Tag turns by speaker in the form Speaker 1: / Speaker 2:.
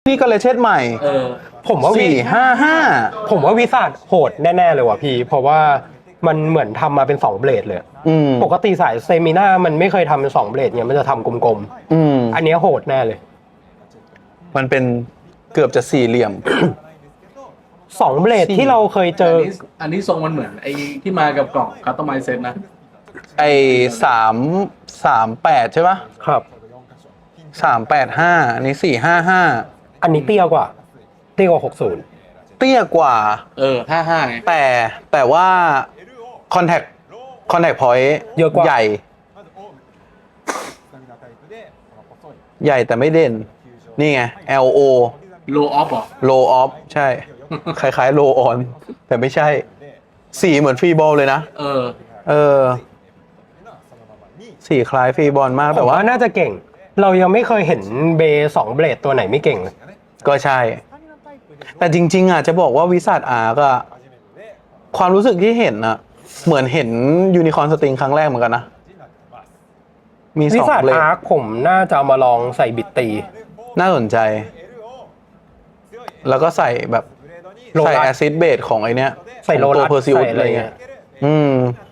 Speaker 1: นี่ก็เลยเช็ดใหม่
Speaker 2: ผมว่า
Speaker 1: 455
Speaker 2: ผมว่าวิสัทโหดแน่ๆเลยว่ะพี่เพราะว่ามันเหมือนทำมาเป็น2เบลดเลยปกติสายเซมิน่ามันไม่เคยทำเป็น2เบลดเนี่ยมันจะทำกลมๆอันนี้โหดแน่เลย
Speaker 1: มันเป็นเกือบจะ4เหลี่ยม
Speaker 2: 2เบลดที่เราเคยเจอ
Speaker 3: อันนี้ทรงมันเหมือนไอ้ที่มากับกล่องคัสตอมไมซ์เซ็ตนะ
Speaker 1: ไอ้338ใช่ปะ
Speaker 2: ครับ
Speaker 1: 385อันนี้455
Speaker 2: อันนี้เตี้ยกว่า60
Speaker 1: เตี้ยกว่า
Speaker 3: 55ไง
Speaker 1: แต่ว่าคอนแทคพอยต์
Speaker 2: เยอะกว่า
Speaker 1: ใหญ่แต่ไม่เด่นนี่ไง LO
Speaker 3: low off หรอ
Speaker 1: low off ใช่ คล้ายๆ low on แต่ไม่ใช่สีเหมือนฟรีบอลเลยนะสีคล้ายฟรีบอลมากแต่ว่า
Speaker 2: น่าจะเก่งเรายังไม่เคยเห็นเบย์2เบลดตัวไหนไม่เก่งเลย
Speaker 1: ก็ใช่แต่จริงๆอ่ะจะบอกว่าวิสัทอาร์ก็ความรู้สึกที่เห็นอ่ะเหมือนเห็นยูนิคอร์นสตริงครั้งแรกเหมือนกันนะมี2เบลด
Speaker 2: วิสัทอาร์ผมน่าจะเอามาลองใส่บิตตี
Speaker 1: น่าสนใจแล้วก็ใส่แบบใส่แอซิดเบสของไอเนี้ย
Speaker 2: ใส่โล
Speaker 1: ตัว
Speaker 2: ลัส
Speaker 1: เพอร์ซิวอะไรเงี้ย